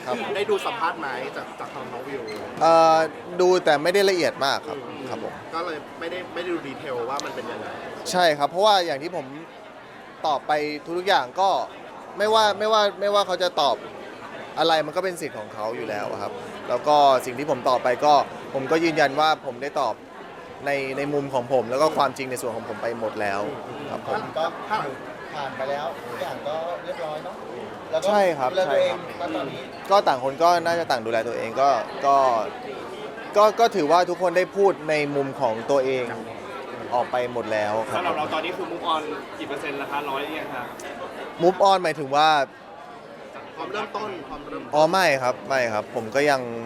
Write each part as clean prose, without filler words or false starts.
ครับได้ดูสัมภาษณ์ไหมจากทางน้องวิวดูแต่ไม่ได้ละเอียดมากครับครับผมก็เลยไม่ได้ดูดีเทลว่ามันเป็นยังไงใช่ครับเพราะว่าอย่างที่ผมตอบไปทุกๆอย่างก็ไม่ว่าเขาจะตอบอะไรมันก็เป็นสิทธิ์ของเขาอยู่แล้วครับแล้วก็สิ่งที่ผมตอบไปก็ผมก็ยืนยันว่าผมได้ตอบในมุมของผม แล้วก็ความจริงในส่วนของผมไปหมดแล้วครับผมก็ผ่านไปแล้วทุกอย่างก็เรียบร้อยเนาะแล้วก็ใช่ครับดูแลตัวเองใช่ครับตอนนี้ก็ต่างคนก็น่าจะต่างดูแลตัวเองก็ถือว่าทุกคนได้พูดในมุมของตัวเองออกไปหมดแล้วครัสำหรับเราบตอนนี้คือมุกออนกี่เปอร์เซ็นต์แล้วคะ100ยังคะ move on หมายถึงว่าความเริ่มต้นไม่ครับผมก็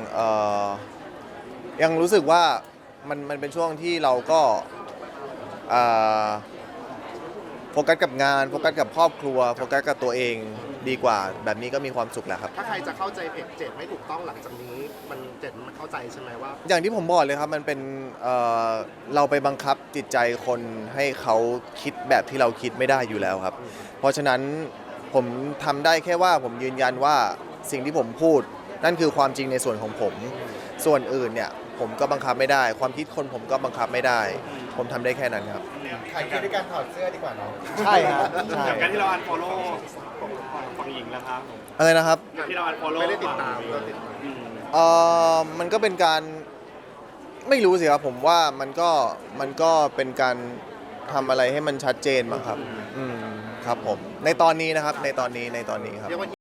ยังรู้สึกว่ามันเป็นช่วงที่เราก็เอ่อโฟกัสกับงานโฟกัสกับครอบครัวโฟกัสกับตัวเองดีกว่าแบบนี้ก็มีความสุขแล้วครับถ้าใครจะเข้าใจเพจเจ็ดไม่ถูกต้องหลังจากนี้มันเข้าใจใช่ไหมว่าอย่างที่ผมบอกเลยครับมันเป็นเราไปบังคับจิตใจคนให้เขาคิดแบบที่เราคิดไม่ได้อยู่แล้วครับ เพราะฉะนั้นผมทำได้แค่ว่าผมยืนยันว่าสิ่งที่ผมพูดนั่นคือความจริงในส่วนของผม ส่วนอื่นเนี่ยผมก็บังคับไม่ได้ ความคิดคนผมก็บังคับไม่ได้ ผมทำได้แค่นั้นครับถ่ายคลิปด้วยการถอดเสื้อดีกว่าเนาะใช่ครับใช่จากการที่เราอันฟอลโล่ฝั่งหญิงแล้วครับอะไรนะครับจากที่เราอันฟอลโล่ไม่ได้ติดตามก็ติดตามมันก็เป็นการไม่รู้สิครับผมว่ามันก็เป็นการทำอะไรให้มันชัดเจนมั้งครับครับผมในตอนนี้นะครับในตอนนี้ครับเรียกว่า